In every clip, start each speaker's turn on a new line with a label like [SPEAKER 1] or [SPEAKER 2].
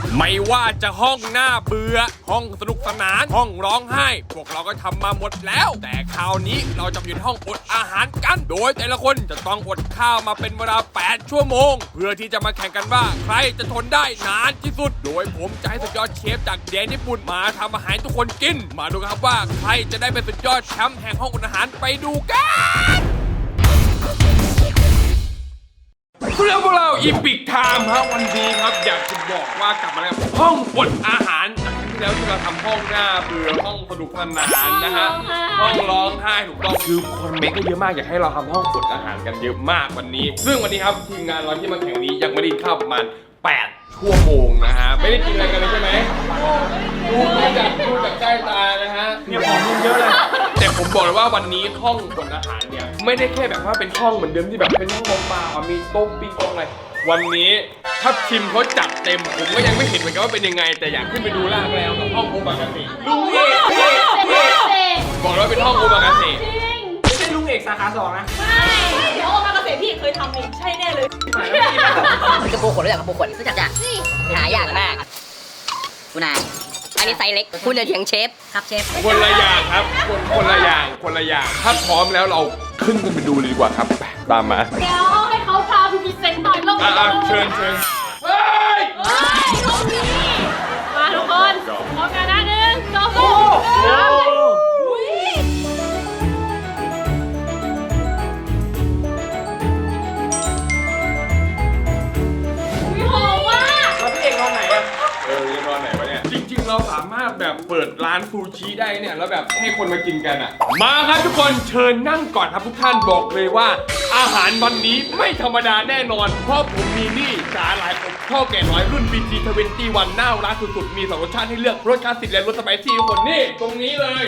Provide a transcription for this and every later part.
[SPEAKER 1] ไม่ว่าจะห้องหน้าเบื่อห้องสนุกสนานห้องร้องไห้พวกเราก็ทำมาหมดแล้วแต่คราวนี้เราจะอยู่ในห้องอดอาหารกันโดยแต่ละคนจะต้องอดข้าวมาเป็นเวลา8 ชั่วโมงเพื่อที่จะมาแข่งกันว่าใครจะทนได้นานที่สุดโดยผมจะให้สุดยอดเชฟจากแดนญี่ปุ่นมาทำอาหารทุกคนกินมาดูกันครับว่าใครจะได้เป็นสุดยอดแชมป์แห่งห้องอดอาหารไปดูกันเพื่อนพวกเราอีพิกไทม์ครับวันนี้ครับอยากจะบอกว่ากลับมาแล้วห้องอดอาหารจากที่แล้วที่เราทำห้องหน้าเบื่อห้องสนุกสนานนะฮะห้องร้องไห้ถูกต้องคือคนเมคก็เยอะมากอยากให้เราทำห้องอดอาหารกันเยอะมากวันนี้ซึ่งวันนี้ครับทีมงานเราที่มาแข่งนี้ยังไม่ได้ข้าวประมาณ8 ชั่วโมงนะฮะไม่ได้กินอะไรกันเลยใช่ไหมดูจากใต้ตานะฮะเนี่ยของมึงเยอะเลยแต่ผมบอกเลยว่าวันนี้ห้องอดอาหารเนี่ยไม่ได้แค่แบบว่าเป็นห้องเหมือนเดิมที่แบบเป็นห้องเปล่าๆมีโต๊ะปิ้งโต๊ะอะไรวันนี้ถ้าทีมเขาจัดเต็มผมก็ยังไม่เห็นเหมือนกันว่าเป็นยังไงแต่อยากขึ้นไปดูล่างแล้วกับห้องโอมากาเสะลุงเอกบอกเลยว่าเป็นห้องโอมากาเสะไม่ใช่ลุงเอกสาขา2นะ
[SPEAKER 2] ไม่เดี๋ยวโอมากาเสะพี่เคยทำเองใช่แน่เลย
[SPEAKER 3] กระปูขนรู้จักกระปูขนรู้จักจ้ะหายากมากคุณนายอันนี้ไซส์เล็กคุณจะเถียงเชฟครับเชฟ
[SPEAKER 1] คนละอย่างครับคนละอย่างถ้าพร้อมแล้วเราขึ้นกันไปดูเลยดีกว่าครับตามมา
[SPEAKER 2] เดี๋ยวให้เขาพาพี่พิเศษหน่อยลง
[SPEAKER 1] เชิญเฮ้ย
[SPEAKER 2] ห้องนี้มาทุกคนพร้อมกันนะ1 2 จริงๆเราสามารถแบบเปิดร้านซูชิได้เนี่ยแล้วแบบให้คนมากินกันอ่ะมาครับทุกคนเชิญนั่งก่อนครับทุกท่านบอกเลยว่าอาหารวันนี้ไม่ธรรมดาแน่นอนเพราะผมมีนี่สาหร่ายอบข้าวแก่น้อยรุ่น BG21น่ารักสุดๆมี2 รสชาติให้เลือกรสคลาสสิกและรสสไปซี่ทุกคนนี่ตรงนี้เลย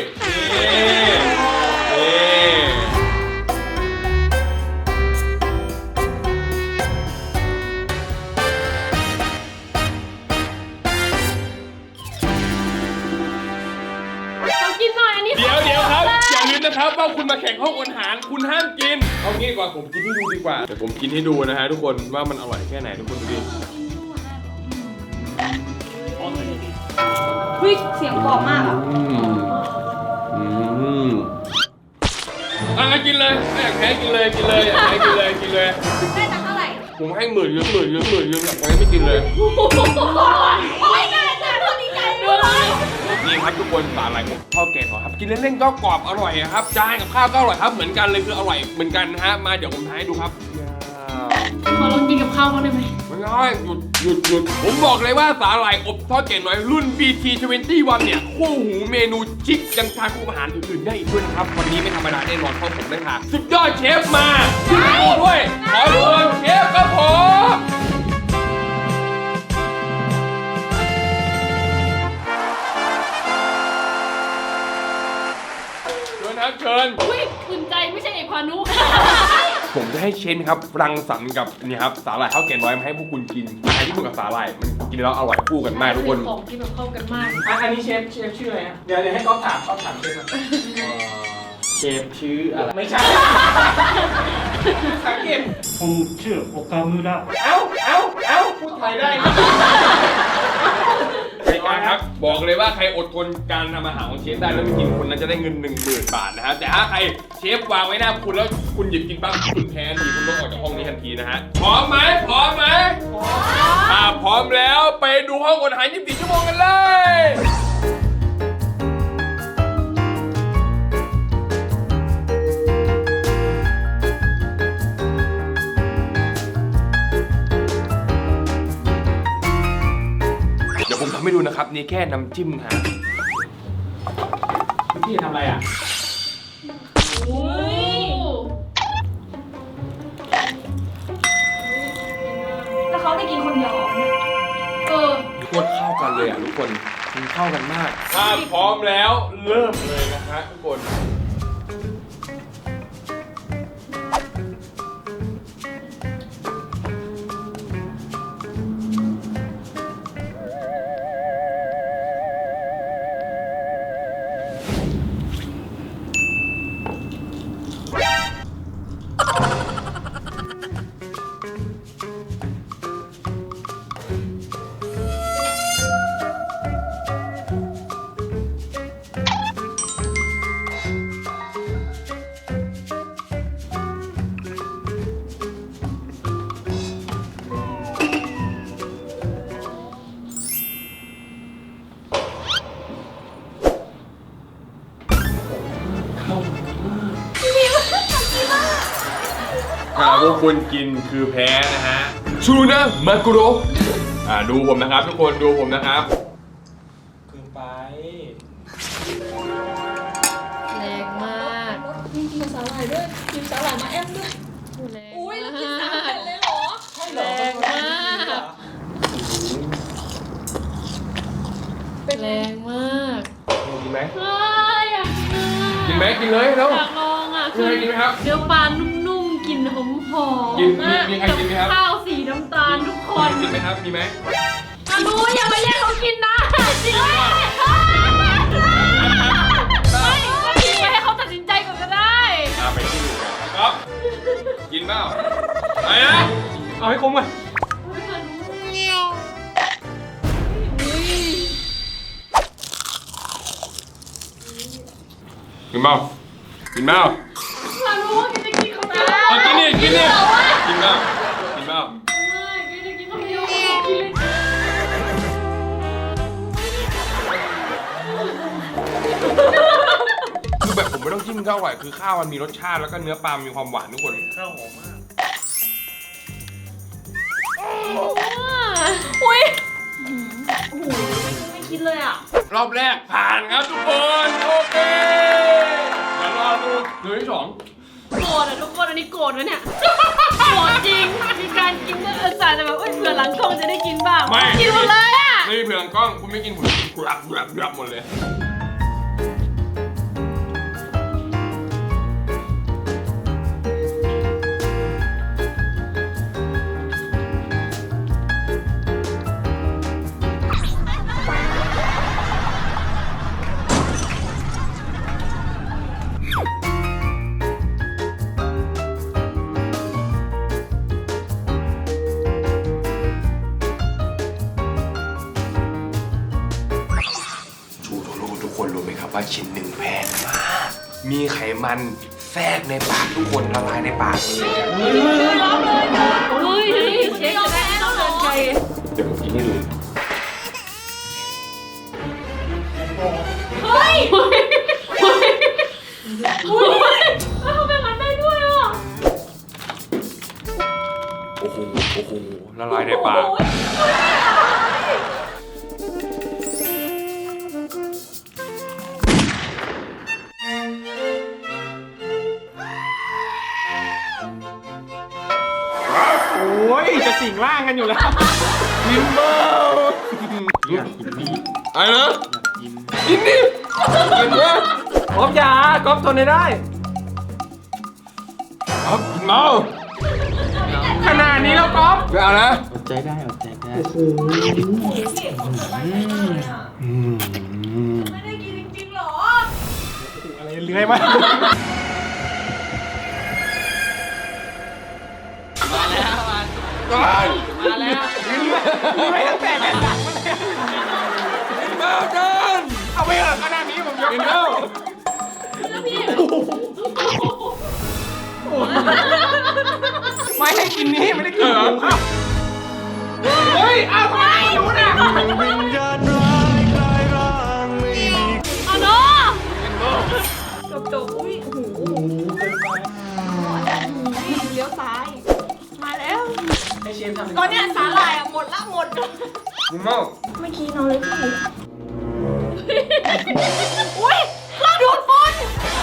[SPEAKER 2] เดี๋ยวครับอย่าลืมนะครับว่าคุณมาแข่งห้องอาหารคุณห้ามกินเอางี้ก่อนผมกินให้ดูดีกว่าเดี๋ยวผมกินให้ดูนะฮะทุกคนว่ามันอร่อยแค่ไหนทุกคนดูดิเสียงกรอบมากอ่ะ
[SPEAKER 1] กินเลยไม่อยากแพ้กินเลยอยากแพ้กินเลย
[SPEAKER 2] ได้ตังค์เท่าไหร่
[SPEAKER 1] ผมให้10,000อยากแพ้ไม่กินเลย
[SPEAKER 2] โอ้ยได้จ้าเท่านี้ใจเลย
[SPEAKER 1] นี่ครับทุกคนสาหร่ายอบข้าวแกงครับกินเล่นๆก็กรอบอร่อยครับจานกับข้าวก็อร่อยครับเหมือนกันเลยคืออร่อยเหมือนกันนะฮะมาเดี๋ยวผมทายให้ดูครับ
[SPEAKER 2] ขอลองกินกับข้าวบ้างได้ไหม
[SPEAKER 1] ไม่ได้หยุดผมบอกเลยว่าสาหร่ายอบทอดแกงน้อยรุ่น BT21เนี่ยคู่หูเมนูชิคยังทานคู่อาหารอื่นๆได้อีกด้วยนะครับวันนี้ไม่ธรรมดาแน่นอนเพราะผมได้ค่ะสุดยอดเชฟมาด้วยขอดูเชฟครับผมเชิญ
[SPEAKER 2] อุ้ยอุ่นใจไม่ใช่เอกพานุ
[SPEAKER 1] ผมจะให้เชนครับรังสรรค์กับนี่ครับสาหร่ายข้าวแกงน้อยมาให้พวกคุณกินอาหารญี่ปุ่นกับสาหร่ายมันกินแล้วอร่อยคู่กันมากทุกคน
[SPEAKER 2] ของที่แบบเข้ากันมาก
[SPEAKER 4] อันนี้เชฟชื่ออะไรนะเดี๋ยวให้ก๊อฟถามเชฟ
[SPEAKER 1] เชฟชื่ออะไร
[SPEAKER 4] ไม่ใช่สังเกต
[SPEAKER 5] ผมชื่อโอกามุระ
[SPEAKER 4] เอ้าพูดไทยได้
[SPEAKER 1] ครับบอกเลยว่าใครอดทนการทำอาหารของเชฟได้แล้วไม่กินคนนั้นจะได้เงิน10,000 บาทนะฮะแต่ถ้าใครเชฟวางไว้หน้าคุณแล้วคุณหยิบกินบ้างคุณแพ้ทันทีคุณต้องออกจากห้องนี้ทันทีนะฮะพร้อมไหมพร้อมแล้วไปดูห้องอดอาหาร24 ชั่วโมงกันเลยผมทำให้ดูนะครับนี่แค่น้ำจิ้มฮะ
[SPEAKER 4] พี่ทำอะไรอ่ะ
[SPEAKER 2] แล้วเขาได้กินคนเดียว
[SPEAKER 1] โคตรเข้ากันเลยอ่ะทุกคนมันเข้ากันมากถ้าพร้อมแล้วเริ่มเลยนะฮะทุกคนทุกคนกินคือแพ้นะฮะชูนะมากุโรดูผมนะครับทุกคนดูผมนะครับ
[SPEAKER 4] คือไป
[SPEAKER 6] แรงมาก
[SPEAKER 7] มีกินสาหร่ายด้วยกินสาหร่ายมาแอมด้วย
[SPEAKER 6] แรง
[SPEAKER 7] อุ้ยแล้ว
[SPEAKER 6] มา
[SPEAKER 7] กินสาหร่าย
[SPEAKER 6] ก
[SPEAKER 7] เลยเหรอ
[SPEAKER 6] แรงมากแรงมาก
[SPEAKER 1] กินไหม
[SPEAKER 6] เฮ้ยอยากกิน
[SPEAKER 1] กินไหมกินเลยแล้ว
[SPEAKER 6] อยากลองอ่ะ
[SPEAKER 1] กินไหมกินไหมครับ
[SPEAKER 6] เนื้อปลานุ่มๆกลิ่นหอม
[SPEAKER 1] กิน
[SPEAKER 6] ๆมาก
[SPEAKER 1] มีใครกินไหมครับ
[SPEAKER 6] ข้าวสีน้ำตาลทุกคน
[SPEAKER 1] กินไหมครับมีไหม
[SPEAKER 6] อนุอย่ามาแย่งเขากินนะจริงไหมไม่ก็ทิ้งไว้ให้เขาตัดสินใจก่อนก็ได้
[SPEAKER 1] ไปที่ดูกันครับกินเปล่าไปนะ
[SPEAKER 4] เอาให้คุ้มก่อน
[SPEAKER 6] อุ๊ยอนุอุ๊ย
[SPEAKER 1] กินเปล่ากินเปล่า
[SPEAKER 6] อนุว่ากินจะกินเขาได้
[SPEAKER 1] กินนี่กินนี่กินเปล่ากินเปล่า
[SPEAKER 6] ไม่กินจะกินเขาไม่ยอมกินเลย
[SPEAKER 1] คือแบบผมไม่ต้องจิ้มข้าวไหวคือข้าวมันมีรสชาติแล้วก็เนื้อปลามีความหวานทุกคน
[SPEAKER 4] ข้าวหอมมาก
[SPEAKER 6] อุ้ยโอ้โหไม่คิดเลยอ่ะ
[SPEAKER 1] รอบแรกผ่านครับทุกคนโอเคเดี๋ยวรอดูเดือนที่สอง
[SPEAKER 6] โกรธอ่ะทุกคนอันนี้โกรธนะเนี่ยโกรธจริงมีการกินก็เออสายแต่แบบเอ้ยเผื่อหลังกล้องจะได้กินบ้างกินหมดเลยอ่ะ
[SPEAKER 1] ไม่มีเผื่อกล้องคุณไม่กินผมกินกรับหมดเลยชูโทโร่ทุกคนรู้ไหมครับว่าชิ้นหนึ่งแพงมากมีไขมันแทรกในปากทุกคนละลายในปากเลยอะ
[SPEAKER 6] เฮ้ยเช็คจะได้ต้องเดินไกล
[SPEAKER 1] เดี๋ยวผมกินให้ดู
[SPEAKER 6] เฮ้ยเขาเป็นมันได้ด้วยอ่ะ
[SPEAKER 1] โอ้โหละลายในปาก
[SPEAKER 4] โอ้ยจะสิงร่างกันอยู่แล้ว
[SPEAKER 1] กินเปล่าอะไรนะกินดิกินนะ
[SPEAKER 4] ก๊อฟยาก๊อฟทนได้
[SPEAKER 1] ครับกินเมา
[SPEAKER 4] ขนาดนี้แล้วก๊อฟ
[SPEAKER 1] ไม่เอานะ
[SPEAKER 5] อดใจได้อดใจได้
[SPEAKER 7] ไม่ได้กินจริงๆหรอ
[SPEAKER 4] อะไรเลื้อยมา
[SPEAKER 1] ตาย
[SPEAKER 6] มาแล้ว
[SPEAKER 4] ไม่ตั้งแต่แผ่นหลังมาเลย
[SPEAKER 1] กินเมาจาน
[SPEAKER 4] เอาไปเถอะขนาดนี้ผมยก
[SPEAKER 1] กินเมา
[SPEAKER 4] ไม่ให้กินนี้ไม่ได้กินหมูเฮ้ยเอาทำไมรู้น่ะ
[SPEAKER 6] เอาเนาะ
[SPEAKER 7] จบอุ้ยโอ้โหเลี้ยวซ้าย มาแล้ว
[SPEAKER 4] ให้เชฟทำ
[SPEAKER 7] ตอนเนี้ยสาหร่ายอะหมดละหมด
[SPEAKER 1] กินเมา
[SPEAKER 7] เมื่อกี้น้องเลยค่ะอุ้ยเครื่องดูดฝุ่น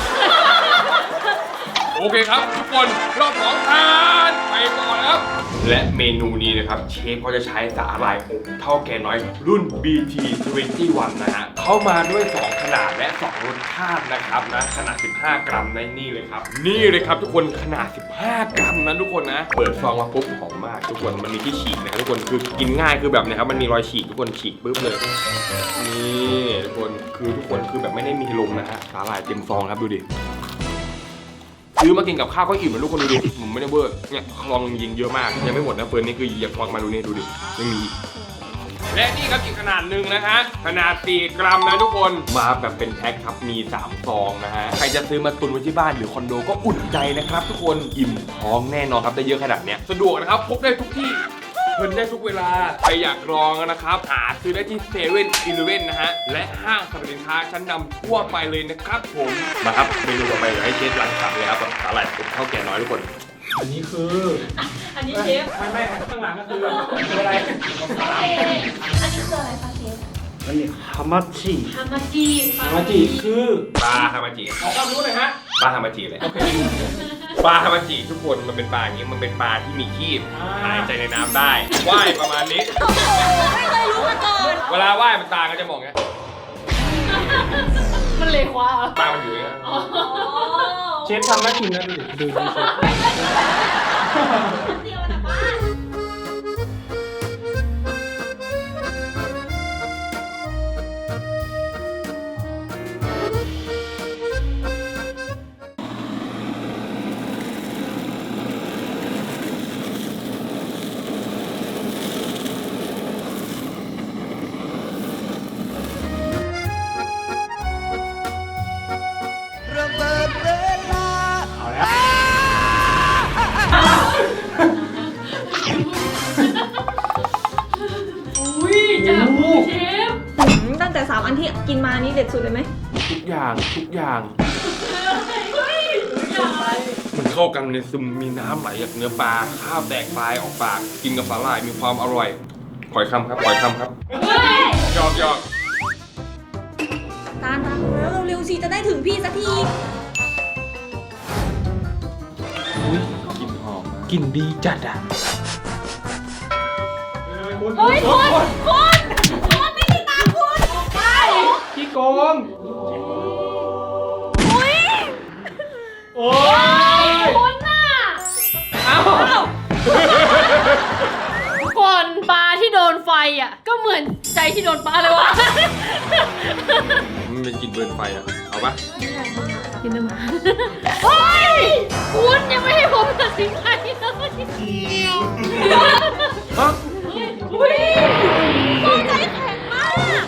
[SPEAKER 1] โอเคครับทุกคนรอบของทานไปก่อนครับ และเมนูนี้นะครับเชฟเขาจะใช้สาหร่ายอบเท่าแก่น้อยรุ่น BT21 นะฮะเข้ามาด้วย 2 ขนาดและ 2 รสชาตินะครับนะขนาด 15 กรัมในนี่เลยครับ นี่เลยครับทุกคนขนาด 15 กรัมนะทุกคนนะ เปิดซองมาปุ๊บหอมมากทุกคนมันมีที่ฉีกนะครับทุกคนคือกินง่ายคือแบบเนะครับมันมีรอยฉีกทุกคนฉีกปุ๊บเลยนี่ทุกคนคือแบบไม่ได้มีลมนะฮะสาหร่ายเต็มซองครับดูดิ ซื้อมากินกับข้าวก็อิ่มนะทุกคนดูดิผมไม่ได้เวอร์เนี่ยลองยิงเยอะมากยังไม่หมดนะเฟิร์นนี่คืออยากลองมาดูนี่ดูดิยังมีอีกและนี่ครับอีกขนาดหนึ่งนะฮะขนาด4 กรัมนะทุกคนมาแบบเป็นแพ็คครับมี3 ซองนะฮะใครจะซื้อมาตุนไว้ที่บ้านหรือคอนโดก็อุ่นใจนะครับทุกคนอิ่มท้องแน่นอนครับได้เยอะขนาดเนี้ยสะดวกนะครับพกได้ทุกที่เพลินได้ทุกเวลาใครอยากลองนะครับหาซื้อได้ที่7-Elevenนะฮะและห้างสรรพสินค้าชั้นนำทั่วไปเลยนะครับผมมาครับเมนูต่อไปเดี๋ยวให้เชฟรังสรรค์เลยครับแบบสาหร่ายอบข้าวแก่น้อยทุกคน
[SPEAKER 4] อันนี้คือ
[SPEAKER 6] อันนี้เชฟ
[SPEAKER 4] ไม่ข้างหลังก็คืออะไร
[SPEAKER 7] อันนี้คืออะไรคะเชฟ
[SPEAKER 5] อันนี้ฮามาจิ
[SPEAKER 6] ฮามาจิ
[SPEAKER 4] ฮามาจิคือ
[SPEAKER 1] ปลาฮามาจิ
[SPEAKER 4] ขอความรู้หน่อยฮะ
[SPEAKER 1] ปลาฮามาจิเลยปลาฮามาจิทุกคนมันเป็นปลาอย่างนี้มันเป็นปลาที่มีครีบหายใจในน้ำได้ว่ายประมาณนี้
[SPEAKER 7] ไม่เคยรู้มาก่อน
[SPEAKER 1] เวลาว่ายมันตาก็จะมองอย่างเงี้ย
[SPEAKER 6] มันเลยคว้า
[SPEAKER 1] ตามันอยู่อย่างเงี้ย
[SPEAKER 4] เชฟทำน่ากินนะดูเชฟ
[SPEAKER 7] เดียวนะบ้าน
[SPEAKER 6] อุ้ยจับมือเชฟ
[SPEAKER 7] ตั้งแต่3 อันที่กินมานี่เด็ดสุดเลยไหม
[SPEAKER 1] ทุกอย่าง
[SPEAKER 6] เฮ้ยอยากไป
[SPEAKER 1] มันเข้ากันในซึมมีน้ำไหลจากเนื้อปลาข้าวแตกปลายออกปากกินกับสาหร่ายมีความอร่อยขอยคำครับหยอก
[SPEAKER 7] ตาลทำแล้วเร็วๆสิจะได้ถึงพี่สักที
[SPEAKER 4] กลิ่นดีจัดอ่ะ
[SPEAKER 6] เฮ้ยคน
[SPEAKER 7] ไม่ได้ตามคุณไป
[SPEAKER 4] พี่โกง
[SPEAKER 7] อุ้ย
[SPEAKER 4] โอ้ย
[SPEAKER 6] คนน่ะ
[SPEAKER 4] เอ้า
[SPEAKER 6] ทุกคนปลาที่โดนไฟอ่ะ ก็เหมือนใจที่โดนปลาเลยวะ
[SPEAKER 1] มันเป็นกลิ่นเบิร์นไฟอะเอาปะ
[SPEAKER 6] กินน้ำมันเฮ้ยคุณยังไม่ให้ผมตัดสินใจเลย
[SPEAKER 1] ฮะ
[SPEAKER 6] อุ้ย
[SPEAKER 7] ใจแข็งมาก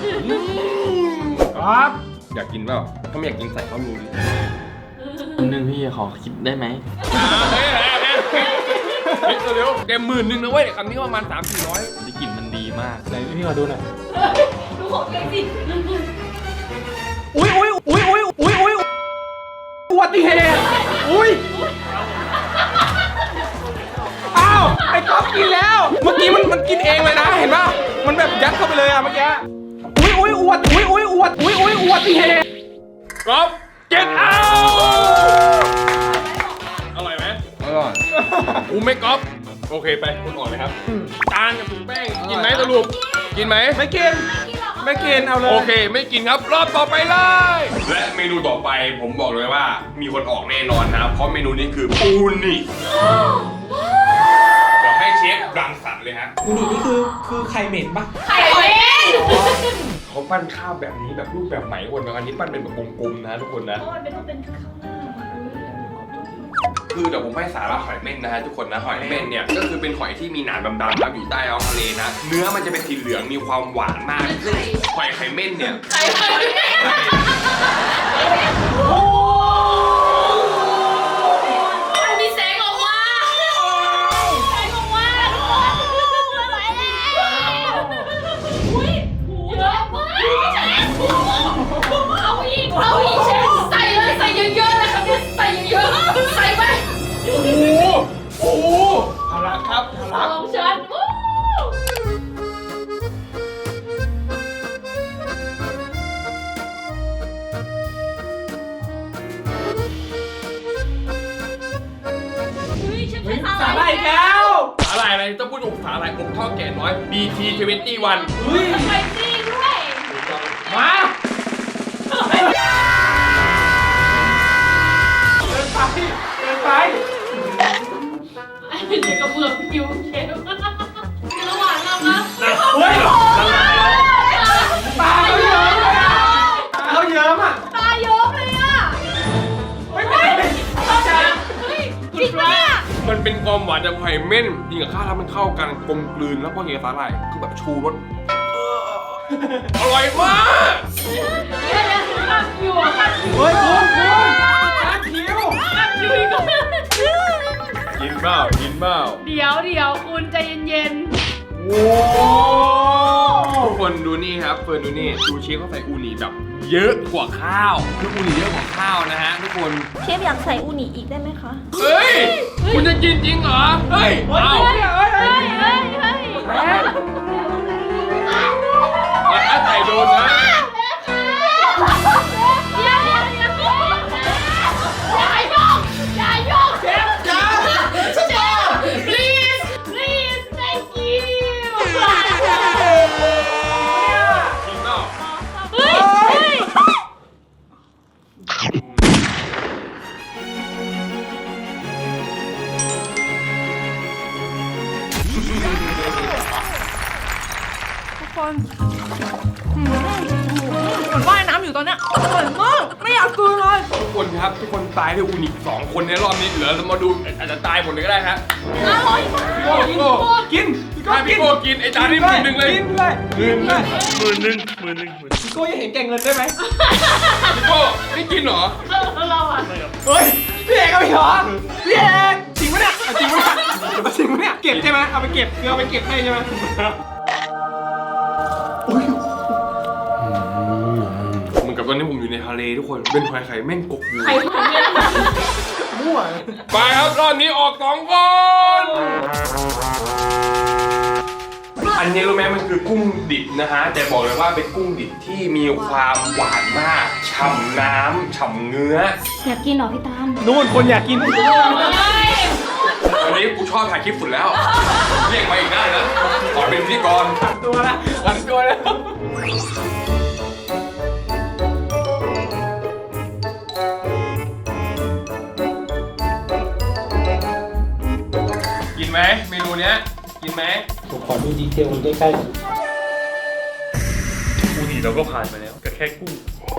[SPEAKER 4] ครับ
[SPEAKER 1] อยากกินเปล่าถ้าไม่อยากกินใส่ข้าวรูดิ
[SPEAKER 5] นึงพี่ขอคิดได้ไหม
[SPEAKER 1] เฮ้ยเร็วแก10,000นะเว้ยคำนี้ประมาณ300-400
[SPEAKER 5] ได้กลิ่นมันดีมาก
[SPEAKER 4] ไหนพี่ขอดูหน่อย
[SPEAKER 6] ดูของเก่งสิ
[SPEAKER 4] อุ้ยอุบัติเหตุอุ้ยอ้าวไอ้ก๊อฟกินแล้ว เมื่อกี้มันกินเองเลยนะเห็นป่ะมันแบบยัดเข้าไปเลยอะเมื่อกี้อุ้ยอุบัติเหตุ
[SPEAKER 1] ก๊อฟเก็ตเอาอร่อยไหมอร่อยไม่ก๊อฟโอเคไปคุณออกเลยครับจานกับถุงแป้งกินไหมสรุปกินไหม
[SPEAKER 4] ไม่กินเอาเลย
[SPEAKER 1] โอเคไม่กินครับรอบต่อไปเลย และเมนูต่อไปผมบอกเลยว่ามีคนออกแน่นอนนะเพราะเมนูนี้คือปูนิ่เดี๋ยวให้เชฟรังสรรค์เลยฮะ
[SPEAKER 4] อูนินี่คือไข่เหม็นปะ
[SPEAKER 6] ไข่เว้ย
[SPEAKER 1] เขาปั้นข้าวแบบนี้แบบรูปแบบไหนคนอันนี้ปั้นเป็นแบบกลมๆนะทุกคนนะ
[SPEAKER 6] มันเป็นต้องเป็นข้าวหน้า
[SPEAKER 1] คือเดี๋ยวผมให้สาระหอยเม่นนะฮะทุกคนนะหอยเม่นเนี่ยก็คือเป็นหอยที่มีหนามดำๆครับอยู่ใต้ท้องทะเลนะเนื้อมันจะเป็นสีเหลืองมีความหวานมากซึ่งหอยไข่เม่นเนี่ย
[SPEAKER 6] ไข่เว้ย มีแสงออกมาแสงออกมาทุกคนไปแล้วอุ้ยเยอะมากเอาอีกเชฟใส่เลยใส่เยอะๆเลยครับเนี่ยใส่เยอะๆใส่ไป
[SPEAKER 1] โอ้โหเอาละครับเอาละ
[SPEAKER 6] ของฉันวู้
[SPEAKER 4] สาหร่ายอีกแล้ว
[SPEAKER 1] สาหร่ายอะไรต้องพูดถึงสาหร่ายอบทอดแก่น้อย BT21
[SPEAKER 4] เฮ้ย
[SPEAKER 6] ไปซี่ด้วย
[SPEAKER 4] มาเดินไป
[SPEAKER 6] ไอ้เด็กกระเบื้องคิวเชฟระหว่างเรานะ
[SPEAKER 4] เฮ้ยตาเขาเยิ้มเลยอะตาเขาเยิ้มอ่ะ
[SPEAKER 6] ตาเยิ้มเลยอ่ะ
[SPEAKER 4] ไม่เป็นไรจ้า
[SPEAKER 6] เฮ้ยจริงปะเนี่ย
[SPEAKER 1] มันเป็นความหวานจากหอยเม่นกินกับข้าวแล้วมันเข้ากันกลมกลืนแล้วพอกินกับสาหร่ายคือแบบชูรสอร่อยมาก
[SPEAKER 6] เดี๋ยวขับอยู่อ่ะขับอยู่
[SPEAKER 4] เฮ้ยคุณจานคิว
[SPEAKER 6] ขับอยู่อีกแล้ว
[SPEAKER 1] กินเปล่า
[SPEAKER 6] เดี๋ยวคุณใจเย็น
[SPEAKER 4] โอ้
[SPEAKER 1] ทุกคนดูนี่ครับเฟิร์นดูนี่ซูชิเขาใส่อูนิแบบเยอะกว่าข้าวคืออูนิเยอะกว่าข้าวนะฮะทุกคน
[SPEAKER 7] เชฟอยากใส่อูนิอีกได้ไหมคะ
[SPEAKER 1] เฮ้ยคุณจะกินจริงเหรอเฮ้ยเอา ถ้าใส่โดนนะ
[SPEAKER 6] please please thank you
[SPEAKER 1] จริงเปล่า
[SPEAKER 6] เฮ้ย
[SPEAKER 7] ทุกคนเหมือนว่ายน้ำอยู่ตอนเนี้ยอร่อยมากไม่อยากกลืนเลย
[SPEAKER 1] ทุกคนครับทุกคนตายด้วยอูนิ2 คนในรอบนี้เหลือเรามาดูอาจจะตายหมดเลยก็ได้ฮะ
[SPEAKER 6] อร่อยมาก
[SPEAKER 1] พี่โก้
[SPEAKER 4] กิน
[SPEAKER 1] ถ้าพี่โก้กินไอ้จานนี้1,000เลย
[SPEAKER 4] กินเลยกินเลย
[SPEAKER 5] 10,000
[SPEAKER 4] พี่โก้ยังเห็นแก่เงินได้ไหม
[SPEAKER 1] พี่โก้ไม่กินเหรอ
[SPEAKER 6] เราอ่ะ
[SPEAKER 4] เฮ้ยพี่เอกเอาไปเหรอพี่เอกจริงปะเนี่ยเอาจริงปะเนี่ยเอาจริงปะเนี่ยเก็บใช่ไหมเอาไปเก็บคือเอาไปเก็บให้ใช่ไหม
[SPEAKER 1] เหมือนกับตอนนี้ผมอยู่ในทะเลทุกคนเป็นหอยไข่แม่งกบอยู่
[SPEAKER 6] ใครคนเนี้ย
[SPEAKER 4] มั่ว
[SPEAKER 1] ไปครับรอบนี้ออก2 คน อันนี้รู้ไหมมันคือกุ้งดิบนะฮะแต่บอกเลยว่าเป็นกุ้งดิบที่มีความหวานมากฉ่ำน้ำฉ่ำเนื้อ
[SPEAKER 6] อยากกินเหรอพี่ตาม
[SPEAKER 4] นู่นคนอยากกิน
[SPEAKER 1] วันนี้กูชอบถ่ายคลิปสุดแล้ว เรียกมาอีกได้นะขอเป็นพิธีกร
[SPEAKER 4] ตัวละหันตัวแล้ว
[SPEAKER 1] กินไหมเมนูเนี้ยกินไหม
[SPEAKER 4] ผมขอดูดีเทลมันใกล้ๆ
[SPEAKER 5] อูนิเราก็ผ่านมาแล้วก็แค่กุ้ง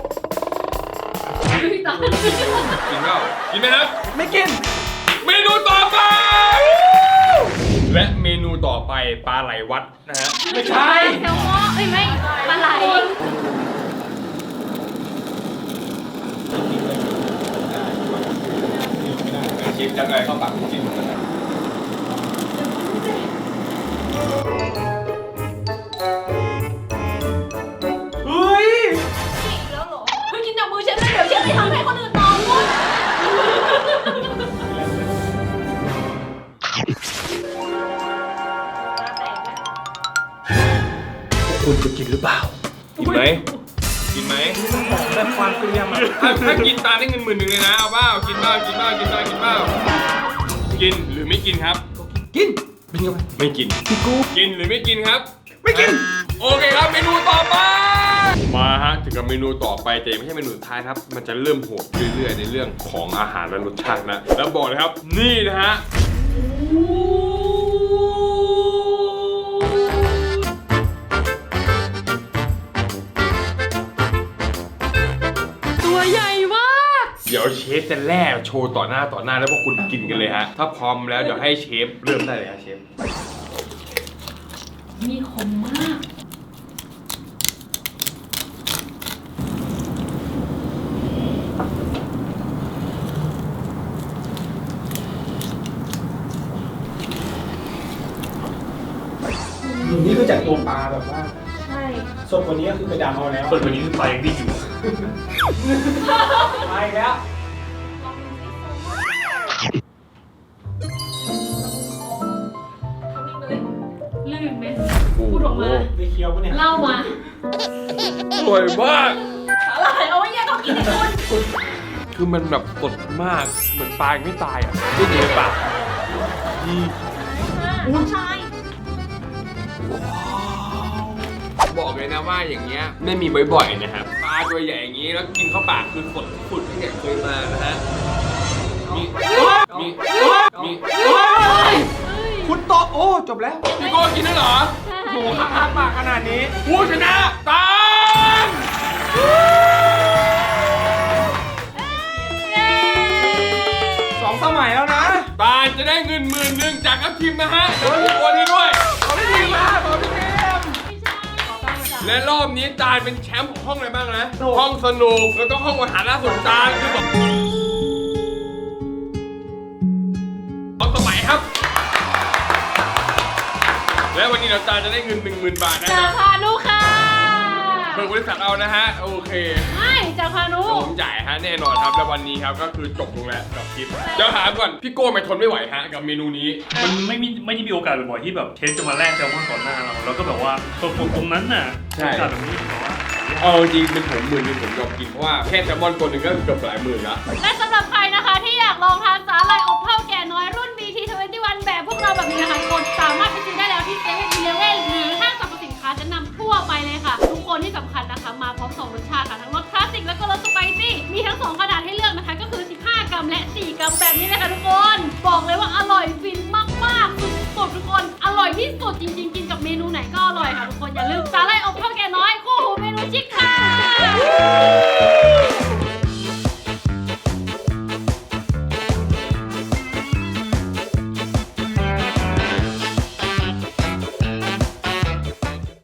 [SPEAKER 6] พี่ตาม
[SPEAKER 1] กินเปล่ากินไหมครับ
[SPEAKER 4] ไม่กิน
[SPEAKER 1] เมนูต่อไป และเมนูต่อไปปลาไหลวัดนะฮะ
[SPEAKER 4] ไม่ใช่
[SPEAKER 6] แซลมอนเอ้ยไม่ปลาไหล
[SPEAKER 1] ชิมจังเลยเข้าปากจิ้มกันนะ
[SPEAKER 4] เฮ้ย
[SPEAKER 7] แล้วเหรอ
[SPEAKER 6] เฮ้ยกินจากมือเชฟเลยเดี๋ยวเชฟไปทำให้คนอื่นต่อหมด
[SPEAKER 1] คุณจะกินหรือเปล่า กินไหมกินไหม
[SPEAKER 4] แบบความเกลียมอ่ะ
[SPEAKER 1] ถ้ากินตาได้เงิน10,000เลยนะเอาเปล่ากินเปล่ากินเปล่ากินเปล่ากินเปล่ากินหรือไม่กินครับ
[SPEAKER 4] กินบินเข้าไป
[SPEAKER 1] ไม่กิน
[SPEAKER 4] พี่กู
[SPEAKER 1] กินหรือไม่กินครับ
[SPEAKER 4] ไม่กิน
[SPEAKER 1] โอเคครับเมนูต่อไป มาฮะถึงกับเมนูต่อไปแต่ไม่ใช่เมนูสุดท้ายครับ มันจะเริ่มโหดเรื่อยๆในเรื่องของอาหารและรสชาตินะ แล้วบอกเลยครับ นี่นะฮะ
[SPEAKER 6] ตัวใหญ่มาก
[SPEAKER 1] เดี๋ยวเชฟจะแล่โชว์ต่อหน้าแล้วพวกคุณกินกันเลยฮะ ถ้าพร้อมแล้วเดี๋ยวให้เชฟเริ่มได้เลยฮะเชฟ
[SPEAKER 6] มีคมมาก
[SPEAKER 4] นี่คือจากตัวปลาแบบว่า
[SPEAKER 7] ใช่
[SPEAKER 4] สดกว่านี้ก็คือไปดำเอาแล้ว
[SPEAKER 5] ส่วนวันนี้คือปลายังดิ้นอยู่
[SPEAKER 4] ไปแล้ว
[SPEAKER 6] ลื่นไหมพูดออกมา
[SPEAKER 4] ได้เคี้ยวปะเนี่ย
[SPEAKER 6] เล่ามา
[SPEAKER 1] สวยมาก
[SPEAKER 6] อะไรเอาไว้แยกต้องกินให้คุณ
[SPEAKER 1] คือมันแบบสดมาก เหมือนปลายังไม่ตายอ่ะไม่อยู่ในปากนี่
[SPEAKER 7] น้องชาย
[SPEAKER 1] บอกเลยนะว่าอย่างเงี้ยไม่มีบ่อยๆนะครับ ปลาตัวใหญ่อย่างงี้แล้วกินเข้าปากคือสดสุดที่เนี่ยเคยมานะฮะ มีมี
[SPEAKER 4] คุณโตะโอ้จบแล้ว
[SPEAKER 1] พี่โก้กินได้เหรอ
[SPEAKER 4] โอ้โหอ้าปากขนาดนี้
[SPEAKER 1] ผู้ชนะตาล
[SPEAKER 4] 2 สมัยแล้วนะ
[SPEAKER 1] ตาลจะได้เงิน10,000จากทัพทีมนะฮะโดยทุกคนให้ด้วย
[SPEAKER 4] ขอพี่ทีมมาขอพี่ทีม
[SPEAKER 1] และรอบนี้ตาลเป็นแชมป์ของห้องอะไรบ้างนะ ห้องสนุกแล้วก็ห้องอาหารล่าสุดตาลคือแบบ2 สมัยครับ และวันนี้เราตาลจะได้เงิน10,000 บาทนะ
[SPEAKER 6] ราคาลูกค้า
[SPEAKER 1] บิกบริษัทเอานะฮะโอเค
[SPEAKER 6] ไม่จากพานุ
[SPEAKER 1] ผมจ่ายฮะแน่นอนครับแล้ววันนี้ครับก็คือจบลงแล้วกับคลิปเดี๋ยวถามก่อนพี่โก้ไม่ทนไม่ไหวฮะกับเมนูนี้
[SPEAKER 5] มันไม่ได้มีโอกาสบ่อยๆที่แบบเชฟจะมาแลกแซลมอนก่อนหน้าเราแล้วก็แบบว่าตรงนั้นน่ะ
[SPEAKER 1] ใช่
[SPEAKER 5] โอกาสแบบนี้แบบว่า
[SPEAKER 1] เอาจริงเป็นผม10,000ผมยอมกินเพราะว่าแค่แซลมอนตัวหนึ่งก็เกือบหลายหมื่นละ
[SPEAKER 6] และสำหรับใครนะคะที่อยากลองทานสาหร่ายอบเท่าแก่น้อยรุ่น BT21 แบบพวกเราแบบนี้นะคะกดสามารถไปซื้อได้แล้วที่เซเว่นอีเลฟเว่นหรือห้างสรรพสินค้าชั้นนำทั่วไปเลยค่ะ ทุกคนที่สำคัญนะคะมาพร้อม2รสชาติค่ะทั้งรสคลาสสิกแล้วก็รสสไปซี่มีทั้ง2ขนาดให้เลือกนะคะก็คือ15 กรัมและ4 กรัมแบบนี้เลยค่ะทุกคนบอกเลยว่าอร่อยฟินมากๆสุดๆทุกคนอร่อยที่สุดจริงๆกินกับเมนูไหนก็อร่อยค่ะทุกคนอย่าลืมสาหร่ายอบเท่าแก่น้อยคู่หูเมนูชิคค่ะ